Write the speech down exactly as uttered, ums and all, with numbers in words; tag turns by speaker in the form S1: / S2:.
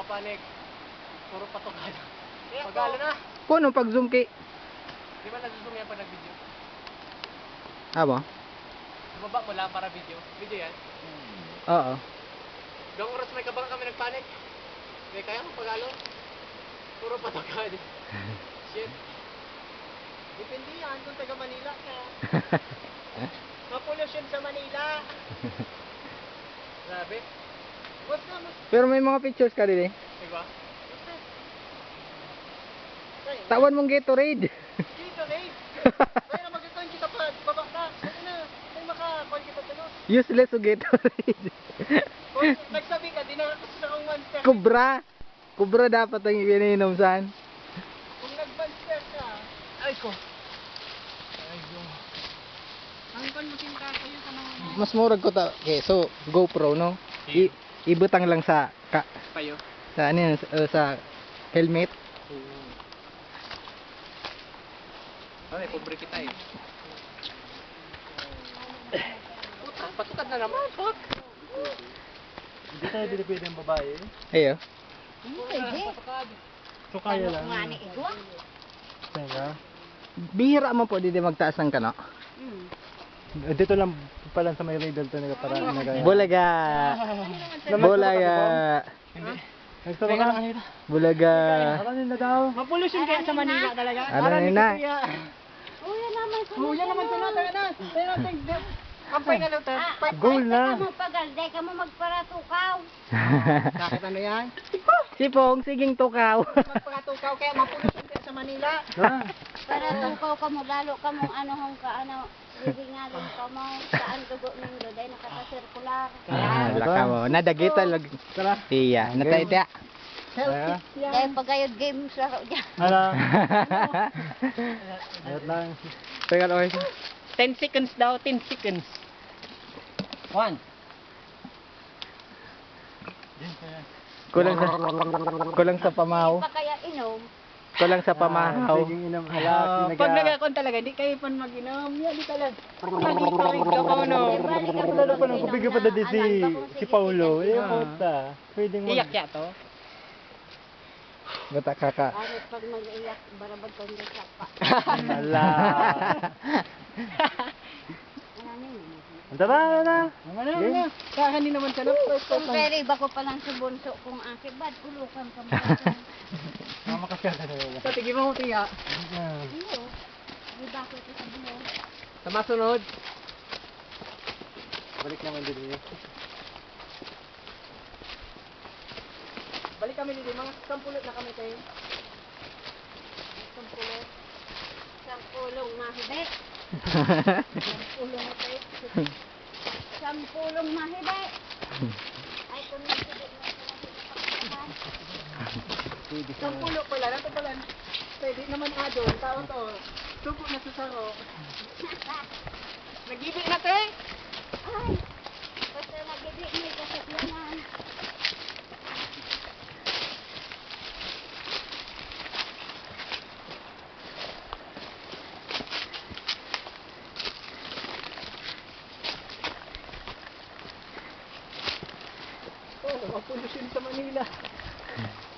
S1: kapanig. Puro patukan. Pagalo na.
S2: Kuno pag zoom kay
S1: Di ba nag-zoom yan pag nag-video?
S2: abo?
S1: Bumaba mo lang para video. Video yan.
S2: Oo.
S1: Gawang oras may kabang kami nagpanik. May kaya mo pagalo. Puro patukan. Shit. Depende yan kung taga Manila ka. Mapollution sa Manila. Grabe. What's na mas?
S2: Pero may mga pictures ka din eh.
S1: Diba?
S2: Tawan mong Gatorade.
S1: Dito, Dave. Kaya na magkakain kita pa. Baba ka. Ano na? Ay makakuha kita sa nos.
S2: Useless o Gatorade.
S1: Kung nagsabi ka, di na kasi akong monster.
S2: Kubra. Kubra dapat ang iniinom saan.
S1: Kung nag-monster ka. Ay ko. Ay ko. Ang kan mo tinta kayo sa mga
S2: Mas murag ko ta. Okay, so GoPro no. I ibutang lang sa ka,
S1: payo.
S2: sa ano yun, sa, uh, sa helmet.
S1: Ay, pobre kita eh. Puta, patukan na naman, fuck.
S3: Hindi tayo dili pwede ang babae.
S2: Ayo.
S1: Pwede.
S3: So kaya lang.
S4: Ngani igwa?
S3: Teka.
S2: Bihira man po dito magtaas ng kano.
S4: Hmm.
S3: Eh, Dito lang pala sa may radar to nila para nagaya.
S2: Bulaga. Bulaga.
S3: Nagturo ka.
S2: Bulaga.
S3: Ano nila daw?
S1: Mapollution kaya sa Manila talaga.
S2: Ano yun na?
S4: Kuya naman ko.
S1: Kuya naman sa natin na. Tayo natin. Kampay na lang tayo.
S4: Ah,
S3: Goal na.
S4: Ka mo pagal, day ka mo magparatukaw.
S1: Bakit ano yan?
S2: Sipong, siging tukaw.
S1: Magpakatukaw kaya mapollution kaya sa Manila.
S3: Ah,
S4: Paratukaw ka mo, lalo ka mo ano hong ka ano. Bibingalin ka mo. Saan dugo nindo, day nakata-circular.
S2: Ah, laka mo. Nadagita lag.
S3: Tara.
S2: Iya, natay tiya.
S3: Kaya.
S4: Day pagayod games laro dyan.
S3: Ano? Ayot lang.
S2: Teka lang.
S1: ten seconds daw, ten seconds. One.
S2: Kulang sa kulang sa pamahaw.
S4: Pa kaya inom.
S2: Kulang sa pamahaw.
S3: Sige inom.
S1: Uh,
S3: Hala,
S1: pag
S3: sinaga.
S1: nagakon talaga, di kayo pan mag-inom. Yan, di talaga. Nagitorig ka ko, no?
S3: Lalo pa nang kubigay pa dati si si Paulo. Eh,
S1: Ah.
S3: puta. Pwedeng mag...
S1: Iyak ya to.
S2: Gata kaka.
S4: Arit pag mag-iyak, barabad ko hindi sapa.
S3: Hala.
S4: Ano nyo?
S3: Tara, tara.
S1: Ano na, ano? Kahan din naman sa loob.
S4: Kung pwede ba ko palang sa bunso kung aki, bad ulukan ka mo.
S3: Mama kasi ka talaga.
S1: Sa tigil mo ko tiya.
S3: Ah.
S4: Iyo. Di ba ko ito sa bulo?
S1: Sa masunod.
S3: Balik naman din niya.
S1: Balik kami dito, mga sampulot na kami tayo.
S4: Sampulong. Sampulong mahibe. Sampulong na tayo. Sampulong mahibe. Ay, kung nagsibi na sa
S3: Pwede sa...
S1: Sampulot pala, nato pala. Pwede naman adon, tao to. Suko na sa saro. Nag-ibig na tayo.
S4: Ay, basta nag-ibig may kasakyanan.
S1: Oh, mapollution sa Manila.